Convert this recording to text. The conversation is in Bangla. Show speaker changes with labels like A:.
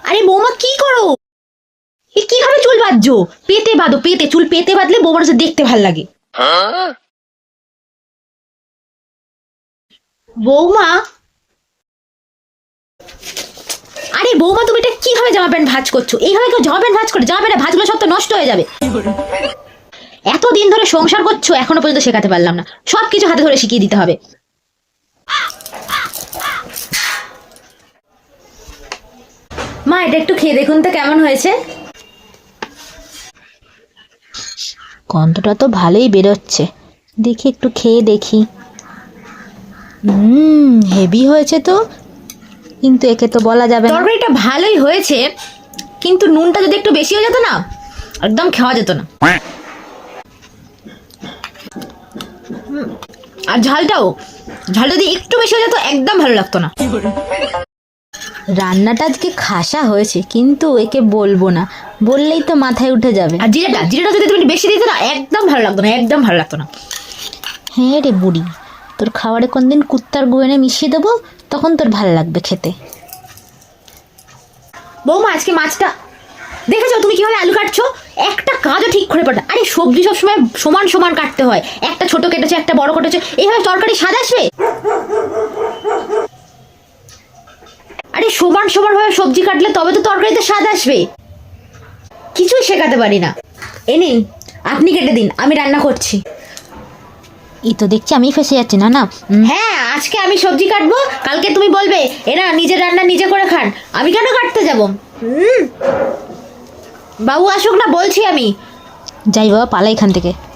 A: আরে বৌমা কি করো? এ কিভাবে চুল বাঁধছো? পেতে বাঁধো, পেতে। চুল পেতে বাঁধলে বৌমার কাছে দেখতে ভাল লাগে। বৌমা, আরে বৌমা তুমি এটা কিভাবে জামা প্যান্ট ভাঁজ করছো? এইভাবে কেউ জামা প্যান্ট ভাঁজ করে? জামা প্যান্ট ভাঁজগুলো সব তো নষ্ট হয়ে যাবে। এতদিন ধরে সংসার করছো, এখনো পর্যন্ত শেখাতে পারলাম না। সবকিছু হাতে ধরে শিখিয়ে দিতে হবে। মা, এটা একটু খেয়ে দেখুন তো কেমন হয়েছে। গন্ধটা তো ভালোই বেরোচ্ছে, দেখি একটু খেয়ে দেখি। হেভি হয়েছে তো, কিন্তু একে তো বলা যাবে না। তরকারিটা ভালোই হয়েছে, কিন্তু নুনটা যদি একটু বেশি হয়ে যেত না, একদম খাওয়া যেত না। আর ঝালটা যদি একটু বেশি হয়ে যেত, একদম ভালো লাগতো না। রান্নাটা আজকে খাসা হয়েছে, কিন্তু একে বলবো না, বললেই তো মাথায় উঠে যাবে। আর জিরাটা যদি তুমি বেশি দিতে না, একদম ভালো লাগতো না, একদম ভালো লাগতো না। হ্যাঁ রে বুড়ি, তোর খাবারে কোনদিন কুত্তার গু এনে মিশিয়ে দেবো, তখন তোর ভালো লাগবে খেতে। বৌমা, আজকে মাছটা দেখেছো তুমি কিভাবে আলু কাটছো? একটা কাজও ঠিক করে পারো। আরে সবজি সবসময় সমান সমান কাটতে হয়। একটা ছোট কেটেছো, একটা বড় কেটেছো, এইভাবে তরকারি স্বাদ আসবে? আরে সমান সমান ভাবে সবজি কাটলে তবে তো তরকারিতে স্বাদ আসবে। কিছুই শেখাতে পারি না। এ নিন, আপনি কেটে দিন, আমি রান্না করছি। এই তো দেখছি আমি ফেসে যাচ্ছি। না না, হ্যাঁ, আজকে আমি সবজি কাটবো, কালকে তুমি বলবে এরা নিজের রান্না নিজে করে খান, আমি কেন কাটতে যাব? বাবু আসুক না, বলছি আমি। যাই বাবা, পালা এখান থেকে।